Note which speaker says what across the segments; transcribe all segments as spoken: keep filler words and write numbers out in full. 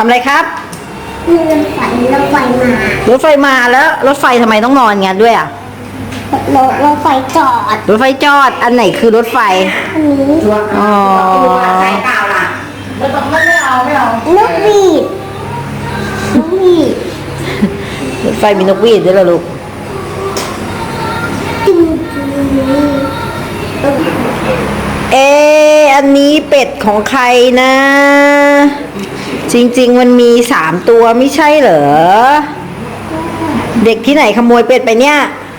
Speaker 1: ำอะไรครับ
Speaker 2: มีรถไฟรถไฟมาร
Speaker 1: ถไฟมาแล้วรถไฟทำไมต้องนอนงั้นด้วยอ่ะ
Speaker 2: รถรถไฟจอด
Speaker 1: รถไฟจอดอันไหนคือรถไฟ
Speaker 2: อันนี้
Speaker 1: อ๋อ
Speaker 3: ใส่เปล่าล่ะไม่ต้องไม่ไม่เอาไม่เอา
Speaker 2: นกหวีดนกหวีด
Speaker 1: รถไฟมีนกหวีดด้วยเหรอลูก
Speaker 2: ตึ้ง
Speaker 1: เอออันนี้เป็ดของใครนะ จริงๆมันมีสามตัวไม่ใช่เหรอเด็กที่ไหนขโมยเป็ดไปเนี่ย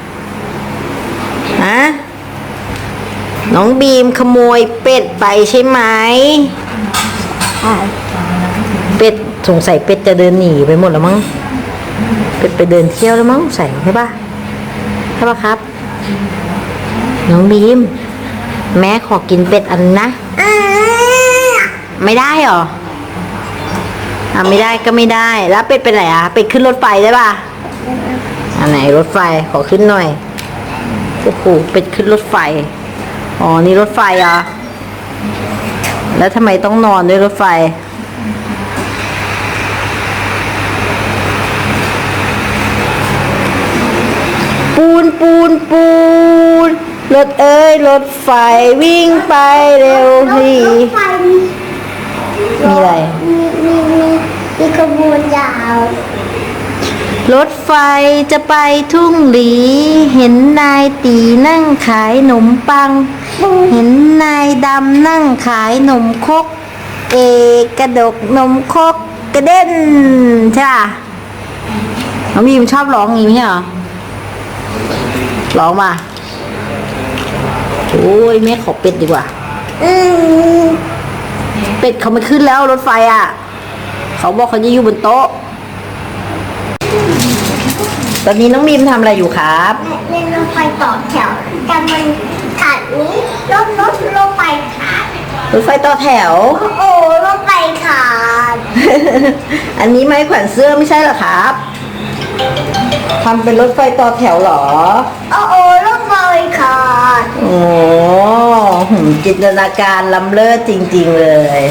Speaker 1: ฮะน้องบีมขโมยเป็ดไปใช่ไหมเป็ดสงสัยเป็ดจะเดินหนีไปหมดแล้วมั้งเป็ดไปเดินเที่ยวแล้วมั้งใส่ใช่ปะใช่ปะครับน้องบีมแม่ขอกินเป็ดอันนะไม่ได้หรออ่ะไม่ได้ก็ไม่ได้แล้วเป็ดเป็นไหนอ่ะเป็ดขึ้นรถไฟได้ป่ะอันไหนรถไฟขอขึ้นหน่อยโอ้โหเป็ดขึ้นรถไฟอ๋อนี่รถไฟอ่ะแล้วทำไมต้องนอนด้วยรถไฟปูนปูนปูนรถเอ้ยรถไฟวิ่งไปเร็วทีมีอะไร
Speaker 2: มีมีมีมีขบวนยาว
Speaker 1: รถไฟจะไปทุ่งหลีเห็นนายตีนั่งขายขนมปังเห็นนายดำนั่งขายขนมครกเอกระดกนมครกกระเด็นใช่ป่ะน้องบีมชอบร้องอย่างนี้เหรอร้องมาโอ้ยแม่ขอเป็ดดีกว่า
Speaker 2: อืม
Speaker 1: เป็ดเขาไม่ขึ้นแล้วรถไฟอ่ะเขาบอกเขาจะอยู่บนโต๊ะตอนนี้น้องบีมทำอะไรอยู่ครับ
Speaker 2: เล่นรถไฟต่อแถวแต่มันขาดนี้รถรถรถไฟขาด
Speaker 1: รถไฟต่อแถว
Speaker 2: โอ้รถไฟขาด
Speaker 1: อันนี้ไม้แขวนเสื้อไม่ใช่เหรอครับทำเป็นรถไฟต่อแถวเหรอ
Speaker 2: โอ้โอ้รถไฟขาด
Speaker 1: โอ้จินตนาการล้ำเลิศจริงๆเลย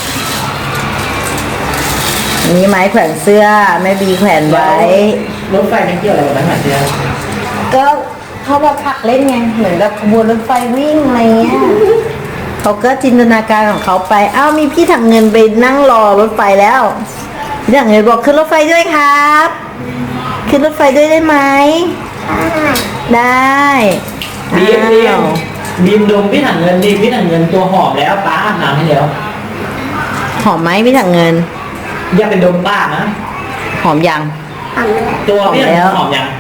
Speaker 1: อันนี้ไม้แขวนเสื้อแม่บีแขวนไว้
Speaker 3: รถไฟมันเกี่ยวอะไรกับไม้แขวนเสื้อ
Speaker 1: ก็เขาบอกผักเล่นไงเหมือนกับขบวนรถไฟวิ่งอะไรเงี้ยเขาก็จินตนาการของเขาไปอ้าวมีพี่ถังเงินไปนั่งรอรถไฟแล้วพี่ถังเงินบอกขึ้นรถไฟด้วยครับขึ้นรถไฟด้วยได้ไหมได้
Speaker 3: บีมบีมบีมดมพี่ถังเงินดีพี่ถังเงินตัวหอมแล้วป้าอาบน้ำให้แล้ว
Speaker 1: หอมไหมพี่ถังเงิน
Speaker 3: อย่าเป็นดมป้านะ
Speaker 1: หอมยัง
Speaker 3: ตัวพี่ถังเงินหอมยัง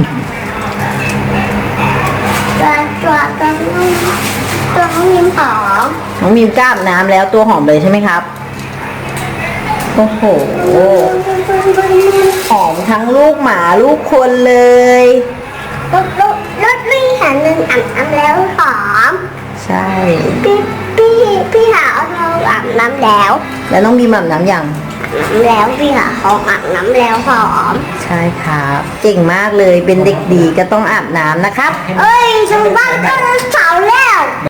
Speaker 2: ตัวตัวตัวน้องตัวน้องยิ้มหอม
Speaker 1: น้องมีมกล้าอาบน้ำแล้วตัวหอมเลยใช่ไหมครับโอ้โหหอมทั้งลูกหมาลูกคนเลย
Speaker 2: รถรถรถพี่หาหนึ่งอาบน้ำแล้วหอม
Speaker 1: ใช่
Speaker 2: พี่พี่พี่หาเราอาบน้ำแล้ว
Speaker 1: แล้วน้องบีมอาบน้ำยัง
Speaker 2: แล้วพี่หาเขาอาบน้ำแล้วหอม
Speaker 1: ใช่ครับเก่งมากเลยเป็นเด็กดีก็ต้องอาบน้ำนะครับ
Speaker 2: เอ้ยฉันบ้านก็เสาแล้ว